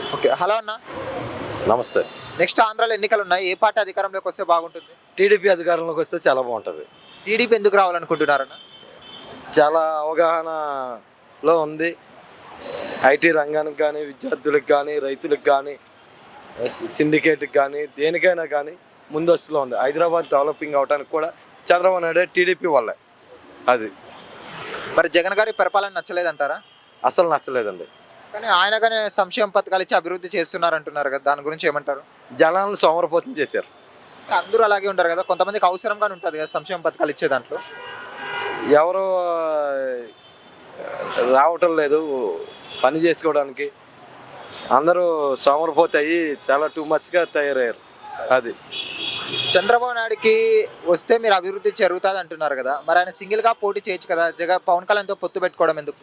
Okay. Hello అన్న. నమస్తే. Next ఆంధ్రాలో ఎన్నికలు ఉన్నాయి. ఏ పార్టీ అధికారంలోకి వస్తే బాగుంటుంది? టీడీపీ అధికారంలోకి వస్తే చాలా బాగుంటుంది. టీడీపీ ఎందుకు రావాలనుకుంటున్నారన్న? చాలా అవగాహనలో ఉంది. ఐటీ రంగానికి కానీ, విద్యార్థులకు కానీ, రైతులకు కానీ, సిండికేట్కి కానీ, దేనికైనా కానీ ముందస్తులో ఉంది. హైదరాబాద్ డెవలపింగ్ అవడానికి కూడా చంద్రబాబు నాయుడు టీడీపీ వల్లే. అది మరి జగన్ గారి పరిపాలన నచ్చలేదంటారా? అసలు నచ్చలేదండి. కానీ ఆయన కానీ సంక్షేమ పథకాలు ఇచ్చి అభివృద్ధి చేస్తున్నారు అంటున్నారు కదా, దాని గురించి ఏమంటారు? జనాలను సోమరపోతం చేశారు. అందరూ అలాగే ఉంటారు కదా, కొంతమందికి అవసరంగానే ఉంటుంది కదా సంక్షేమ పథకాలు ఇచ్చే దాంట్లో. ఎవరు రావటం లేదు పని చేసుకోవడానికి. అందరూ సోమరపోతాయి, చాలా టూ మచ్గా తయారయ్యారు. అది చంద్రబాబు నాయుడుకి వస్తే మీరు అభివృద్ధి జరుగుతుంది అంటున్నారు కదా, మరి ఆయన సింగిల్గా పోటీ చేయొచ్చు కదా, పవన్ కళ్యాణ్తో పొత్తు పెట్టుకోవడం ఎందుకు?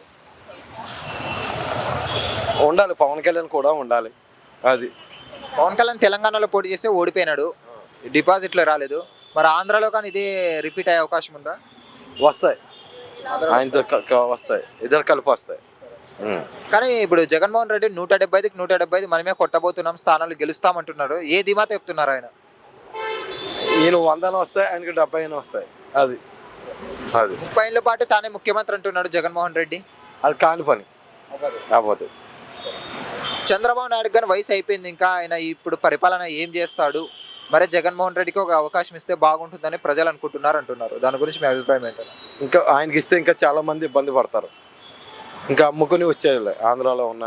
ఉండాలి, పవన్ కళ్యాణ్ కూడా ఉండాలి. అది పవన్ కళ్యాణ్ తెలంగాణలో పోటీ చేస్తే ఓడిపోయినాడు, డిపాజిట్లు రాలేదు. మరి ఆంధ్రాలో కానీ ఇదే రిపీట్ అయ్యే అవకాశం ఉందా? వస్తాయి, ఆయనతో వస్తాయి, ఇద్దరు కలిపి వస్తాయి. కానీ ఇప్పుడు జగన్మోహన్ రెడ్డి 175కి 175 మనమే కొట్టబోతున్నాం, స్థానాలు గెలుస్తామంటున్నారు. ఏ ధీమాతో చెప్తున్నారు ఆయన? ఈయన 100 వస్తాయి, ఆయనకి 70 వస్తాయి. అది అది 30 ఏళ్ళ పాటు తానే ముఖ్యమంత్రి అంటున్నాడు జగన్మోహన్ రెడ్డి. అది కాని పని అవ్వదు. చంద్రబాబు నాయుడు కానీ వయసు అయిపోయింది, ఇంకా ఆయన ఇప్పుడు పరిపాలన ఏం చేస్తాడు? మరి జగన్మోహన్ రెడ్డికి ఒక అవకాశం ఇస్తే బాగుంటుందని ప్రజలు అనుకుంటున్నారు అంటున్నారు. దాని గురించి మీ అభిప్రాయం ఏంటంటే? ఇంకా ఆయనకి ఇస్తే ఇంకా చాలా మంది ఇబ్బంది పడతారు. ఇంకా అమ్ముకుని వచ్చేది ఆంధ్రాలో ఉన్న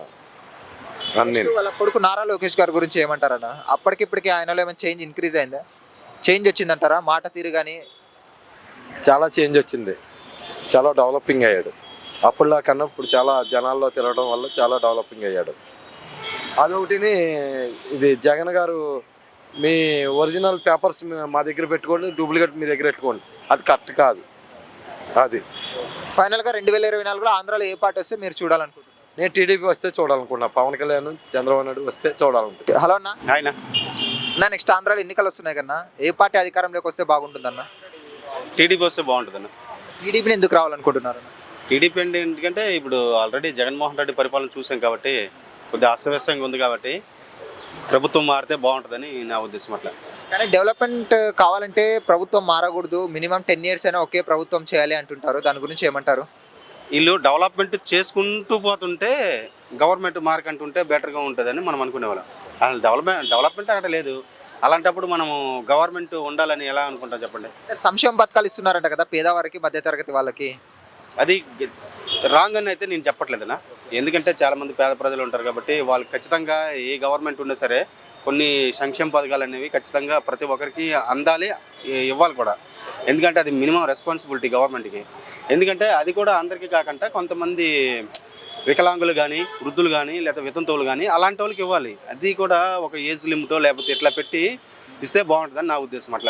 అన్ని. వాళ్ళ కొడుకు నారా లోకేష్ గారి గురించి ఏమంటారన్న? అప్పటికిప్పటికి ఆయనలో ఏమైనా చేంజ్ ఇంక్రీజ్ అయిందా? చేంజ్ వచ్చిందంటారా? మాట తీరు కానీ చాలా చేంజ్ వచ్చింది, చాలా డెవలపింగ్ అయ్యాడు. అప్పుడులా కన్నా ఇప్పుడు చాలా జనాల్లో తిరగడం వల్ల చాలా డెవలపింగ్ అయ్యాడు. అదొకటిని ఇది జగన్ గారు మీ ఒరిజినల్ పేపర్స్ మా దగ్గర పెట్టుకోండి, డూప్లికేట్ మీ దగ్గర పెట్టుకోండి, అది కరెక్ట్ కాదు. అది ఫైనల్గా 2024లో ఆంధ్రాలో ఏ పార్టీ వస్తే మీరు చూడాలనుకుంటున్నారు? నేను టీడీపీ వస్తే చూడాలనుకున్నా, పవన్ కళ్యాణ్ చంద్రబాబు నాయుడు వస్తే చూడాలనుకుంటున్నా. హలో అన్న. ఆయన నెక్స్ట్ ఆంధ్రాలో ఎన్నికలు వస్తున్నాయి కన్నా, ఏ పార్టీ అధికారంలోకి వస్తే బాగుంటుందన్న? టీడీపీ వస్తే బాగుంటుందన్న. టీడీపీని ఎందుకు రావాలనుకుంటున్నారు? టీడీపీ అంటే ఎందుకంటే ఇప్పుడు ఆల్రెడీ జగన్మోహన్ రెడ్డి పరిపాలన చూసాం కాబట్టి కొద్దిగా అస్తవ్యస్తంగా ఉంది కాబట్టి ప్రభుత్వం మారితే బాగుంటుందని నా ఉద్దేశం. అట్లా కానీ డెవలప్మెంట్ కావాలంటే ప్రభుత్వం మారకూడదు, మినిమం 10 years అయినా ఒకే ప్రభుత్వం చేయాలి అంటుంటారు. దాని గురించి ఏమంటారు? వీళ్ళు డెవలప్మెంట్ చేసుకుంటూ పోతుంటే గవర్నమెంట్ మార్కంటుంటే బెటర్గా ఉంటుందని మనం అనుకునేవాళ్ళం. అసలు డెవలప్మెంట్ అక్కడ లేదు. అలాంటప్పుడు మనము గవర్నమెంట్ ఉండాలని ఎలా అనుకుంటాం చెప్పండి? సంక్షేమ పథకాలు ఇస్తున్నారంట కదా పేదవారికి, మధ్యతరగతి వాళ్ళకి. అది రాంగ్ అని అయితే నేను చెప్పట్లేదన్నా. ఎందుకంటే చాలామంది పేద ప్రజలు ఉంటారు కాబట్టి వాళ్ళు ఖచ్చితంగా ఏ గవర్నమెంట్ ఉన్నా సరే కొన్ని సంక్షేమ పథకాలు అనేవి ఖచ్చితంగా ప్రతి ఒక్కరికి అందాలి, ఇవ్వాలి కూడా. ఎందుకంటే అది మినిమం రెస్పాన్సిబిలిటీ గవర్నమెంట్కి. ఎందుకంటే అది కూడా అందరికీ కాకుండా కొంతమంది వికలాంగులు కానీ, వృద్ధులు కానీ, లేదా వితంతువులు కానీ అలాంటి వాళ్ళకి ఇవ్వాలి. అది కూడా ఒక ఏజ్ లిమిటో లేకపోతే ఇట్లా పెట్టి ఇస్తే బాగుంటుందని నా ఉద్దేశం. అట్లా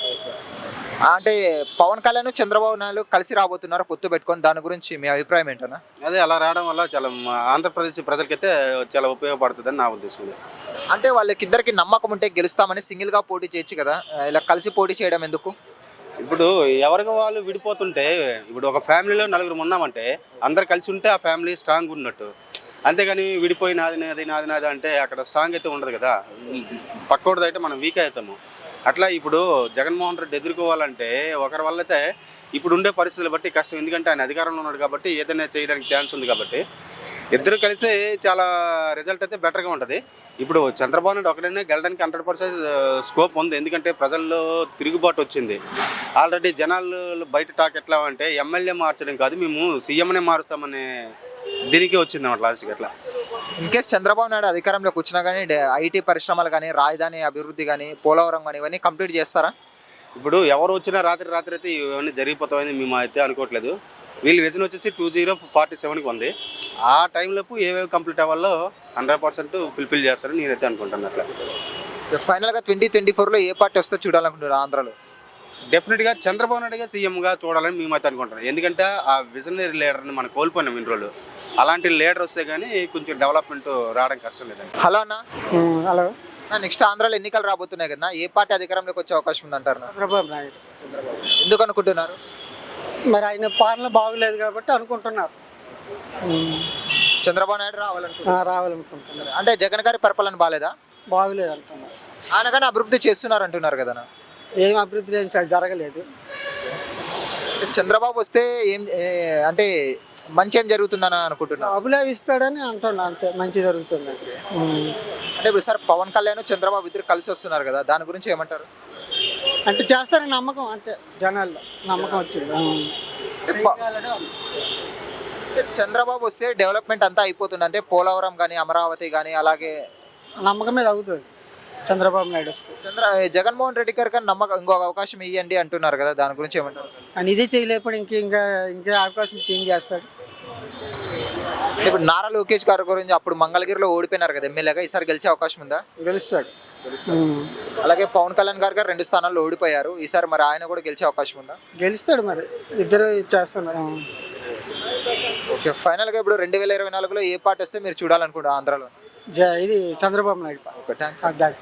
అంటే పవన్ కళ్యాణ్ చంద్రబాబు నాయుడు కలిసి రాబోతున్నారు పొత్తు పెట్టుకొని, దాని గురించి మీ అభిప్రాయం ఏంటన్నా? అదే అలా రావడం వల్ల చాలా ఆంధ్రప్రదేశ్ ప్రజలకైతే చాలా ఉపయోగపడుతుందని నా ఉద్దేశం. అంటే వాళ్ళకిద్దరికి నమ్మకం ఉంటే గెలుస్తామని సింగిల్గా పోటీ చేయొచ్చు కదా, ఇలా కలిసి పోటీ చేయడం ఎందుకు? ఇప్పుడు ఎవరికి వాళ్ళు విడిపోతుంటే, ఇప్పుడు ఒక ఫ్యామిలీలో నలుగురు ఉన్నామంటే అందరు కలిసి ఉంటే ఆ ఫ్యామిలీ స్ట్రాంగ్ ఉన్నట్టు. అంతేగాని విడిపోయి నాది నాది నాది నాది అంటే అక్కడ స్ట్రాంగ్ అయితే ఉండదు కదా, పక్కోడిది అయితే మనం వీక్ అవుతాము. అట్లా ఇప్పుడు జగన్మోహన్ రెడ్డి ఎదుర్కోవాలంటే ఒకరి వల్ల అయితే ఇప్పుడు ఉండే పరిస్థితులు బట్టి కష్టం. ఎందుకంటే ఆయన అధికారంలో ఉన్నాడు కాబట్టి ఏదైనా చేయడానికి ఛాన్స్ ఉంది కాబట్టి ఇద్దరు కలిసి చాలా రిజల్ట్ అయితే బెటర్గా ఉంటుంది. ఇప్పుడు చంద్రబాబు నాయుడు ఒకడైనా గెలడానికి 100% స్కోప్ ఉంది. ఎందుకంటే ప్రజల్లో తిరుగుబాటు వచ్చింది. ఆల్రెడీ జనాలు బయట టాక్ ఎట్లా అంటే ఎమ్మెల్యే మార్చడం కాదు, మేము సీఎంనే మారుస్తామనే దీనికి వచ్చింది అన్నమాట లాస్ట్కి. అట్లా ఇన్కేస్ చంద్రబాబు నాయుడు అధికారంలోకి వచ్చినా కానీ ఐటీ పరిశ్రమలు కానీ, రాజధాని అభివృద్ధి కానీ, పోలవరం కానీ ఇవన్నీ కంప్లీట్ చేస్తారా? ఇప్పుడు ఎవరు వచ్చినా రాత్రి అయితే ఇవన్నీ జరిగిపోతామని మేము అయితే అనుకోవట్లేదు. వీళ్ళు విజన్ వచ్చేసి 2047కి ఉంది. ఆ టైంలోపు ఏవేవి కంప్లీట్ అవ్వాలో 100% ఫుల్ఫిల్ చేస్తారని నేనైతే అనుకుంటాను. అట్లా ఫైనల్గా 2024లో ఏ పార్టీ వస్తే చూడాలనుకుంటున్నారు ఆంధ్రాలో? డెఫినెట్గా చంద్రబాబు నాయుడుగా సీఎంగా చూడాలని మేమైతే అనుకుంటున్నాం. ఎందుకంటే ఆ విజనరీ లీడర్ని మనం కోల్పోయినాం ఇన్ని రోజులు. అలాంటి లీడర్ వస్తే కానీ కొంచెం డెవలప్మెంట్ రావడం కష్టం లేదండి. హలో అన్న. హలో. నెక్స్ట్ ఆంధ్రాలో ఎన్నికలు రాబోతున్నాయి కదా, ఏ పార్టీ అధికారంలోకి వచ్చే అవకాశం ఉందంటారు? చంద్రబాబు నాయుడు. ఎందుకు అనుకుంటున్నారు? మరి ఆయన పాలన బాగలేదు కాబట్టి అనుకుంటున్నారు. చంద్రబాబు నాయుడు రావాలనుకుంటున్నారు. రావాలనుకుంటున్నాను. అంటే జగన్ గారి పరిపాలన బాగాలేదా? బాగులేదు అంటున్నాను. ఆయన కానీ అభివృద్ధి చేస్తున్నారు అంటున్నారు కదా. ఏం అభివృద్ధి ఏం జరగలేదు. చంద్రబాబు వస్తే అంటే మంచి ఏం జరుగుతుందని అనుకుంటున్నారు. అబులే ఇస్తాడని అంటున్నా, అంతే. మంచి జరుగుతుంది. అంటే ఇప్పుడు సార్ పవన్ కళ్యాణ్ చంద్రబాబు ఇద్దరు కలిసి వస్తున్నారు కదా, దాని గురించి ఏమంటారు? అంటే చేస్తారని నమ్మకం, అంతే. జనాల్లో నమ్మకం వచ్చింది. చంద్రబాబు వస్తే డెవలప్మెంట్ అంతా అయిపోతుంది, అంటే పోలవరం కానీ అమరావతి కానీ అలాగే నమ్మకం మీద అవుతుంది చంద్రబాబు నాయుడు వస్తే. జగన్మోహన్ రెడ్డి గారు కానీ నమ్మకం ఇంకొక అవకాశం ఇవ్వండి అంటున్నారు కదా, దాని గురించి ఏమంటారు? అని ఇదే చేయలేకపోతే ఇంకా అవకాశం ఏం చేస్తాడు. ఇప్పుడు నారా లోకేష్ గారి గురించి అప్పుడు మంగళగిరిలో ఓడిపోయినారు కదా ఎమ్మెల్యేగా, ఈసారి గెలిచే అవకాశం ఉందా? గెలుస్తాడు. అలాగే పవన్ కళ్యాణ్ గారు 2 స్థానాల్లో ఓడిపోయారు, ఈసారి మరి ఆయన కూడా గెలిచే అవకాశం ఉందా? గెలుస్తాడు, మరి ఇద్దరు చేస్తున్నారు. ఓకే, ఫైనల్గా ఇప్పుడు 2024లో ఏ పార్టీ వస్తే మీరు చూడాలనుకుంటారు ఆంధ్రాలో? ఇది చంద్రబాబు నాయుడు. Okay, thanks.